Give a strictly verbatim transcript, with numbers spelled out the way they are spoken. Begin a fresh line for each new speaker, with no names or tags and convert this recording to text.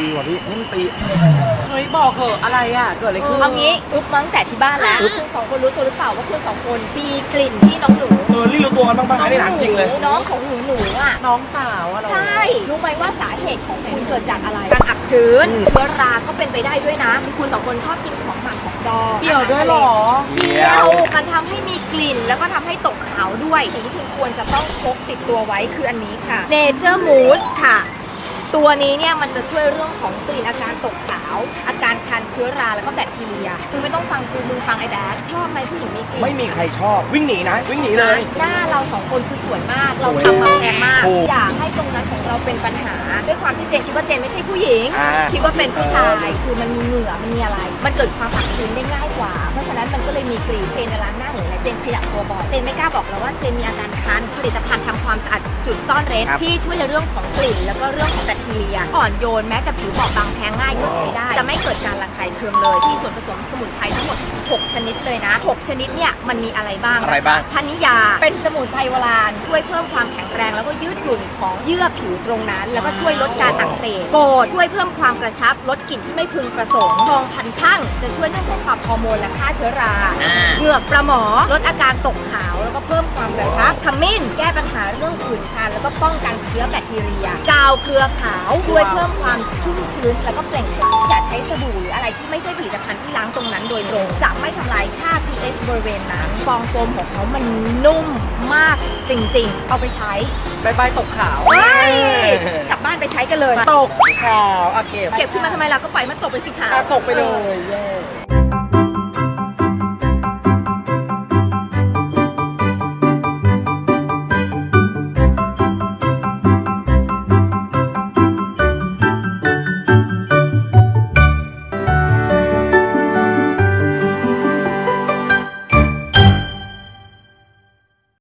ตีว่ะพี่นี่มันตี
เฮ้ยบอกเหอะอะไรอ่ะเกิดอะไรขึ้น
เอางี้อุ๊บมั้งแต่ที่บ้านแล้วคุณสองคนรู้ตัวหรือเปล่าว่าคุณสองคนมีกลิ่นที่น้องหนู
เออรีรู้ตัวกันบ้างป่ะอันนี้ถามจริงเลย
น้องของหนูหนูอ่ะ
น้องสาวอะเรา
ใช่ รู้ไหมว่าสาเหตุของคุณเกิดจากอะไร การอับชื้น เชื้อราก็เป็นไปได้ด้วยนะ คุณสองคนชอบกินของหมักของดอง
เกี่ยวด้วยเหรอ
เกี่ยว มันทำให้มีกลิ่นแล้วก็ทำให้ตกขาวด้วย สิ่งที่คุณควรจะต้องพกติดตัวไว้คืออันนี้ค่ะ Nature Mousse ค่ะ ตัวนี้เนี่ยมันจะช่วยเรื่องของกลิ่นอาการตกขาว อาการคันเชื้อราแล้วก็แบคทีเรียคือไม่ต้องฟังกูมึงฟังไอ้แบ๊กชอบไหมผู้หญิงมีกลิ่น
ไม่มีใครชอบวิ่งหนีนะวิ่งหนีเลย
หน้าเราสองคนคือสวยมาก เรา
สวย
ทำมาแพงมาก
ถูก
อยากให้ตรงนั้นของเราเป็นปัญหา ด้วยความที่เจนคิดว่าเจนไม่ใช่ผู้หญิง
อ่า
คิดว่าเป็นผู้ชายคือมันมีเหงื่อมันมีอะไร มันเกิดความอักชื้นได้ง่ายกว่า เพราะฉะนั้นมันก็เลยมีกลิ่นเจนในร้านหน้าหรืออะไรเจนขยับตัวบ่อยเจนไม่กล้าบอกแล้วว่าเจนมีอาการคันผลิตภัณฑ์ทำความสะอาดจุดซ่อนเร้นที่ช่วยในเรื่องของกลิ่นแล้วก็เรื่องของแบคทีเรียอ่อนโยนแม้แต่ผิวบอบบางแพ้ง่ายก็ใช้ได้จะไม่เกิดการระคายเคืองเลยที่ส่วนผสมสมุนไพรทั้งหมดหกชนิดเลยนะหกชนิดเนี่ยมันมีอะไรบ้าง
อะไรบ้าง
พนิยาเป็นสมุนไพรโบราณช่วยเพิ่มความแข็งแรงแล้วก็ยืดหยุ่นของเยื่อผิวตรงนั้น แล้วก็ช่วยลดการอักเสบโกดช่วยเพิ่มความกระชับลดกลิ่นที่ไม่พึงประสงค์ทองพันช่างจะช่วยเรื่องของปรับฮอร์โมนและฆ่าเชื้อราเหงือกปลาหมอลดอาการตกขาวแล้วก็เพิ่มความกระชับขมิ้นแก้ปัญหาเรื่องผื่นคันแล้วก็ป้องกันเชื้อแบคทีเรียกาวเกลือขาวช่วยเพิ่มความชุ่มชื้นแล้วก็เปล่งปลั่งอย่าใช้สบู่หรืออะไรที่ไม่ใช่ผลิตภัณฑ์ที่ล้างตรงนั้นโดยตรงจะไม่ทำลายค่า pH บริเวณนั้นฟองโฟมของเขามันนุ่มมากจริงๆ เอาไปใช้
บายบายตกขาว
เฮ้ยกลับบ้านไปใช้กันเลย
ตกขาวอ่ะเก็บ
เก็บขึ้นมาทำไมล่ะก็ปล่อยมันตกไปสิคะ
อ่ะตกไปเลยเย้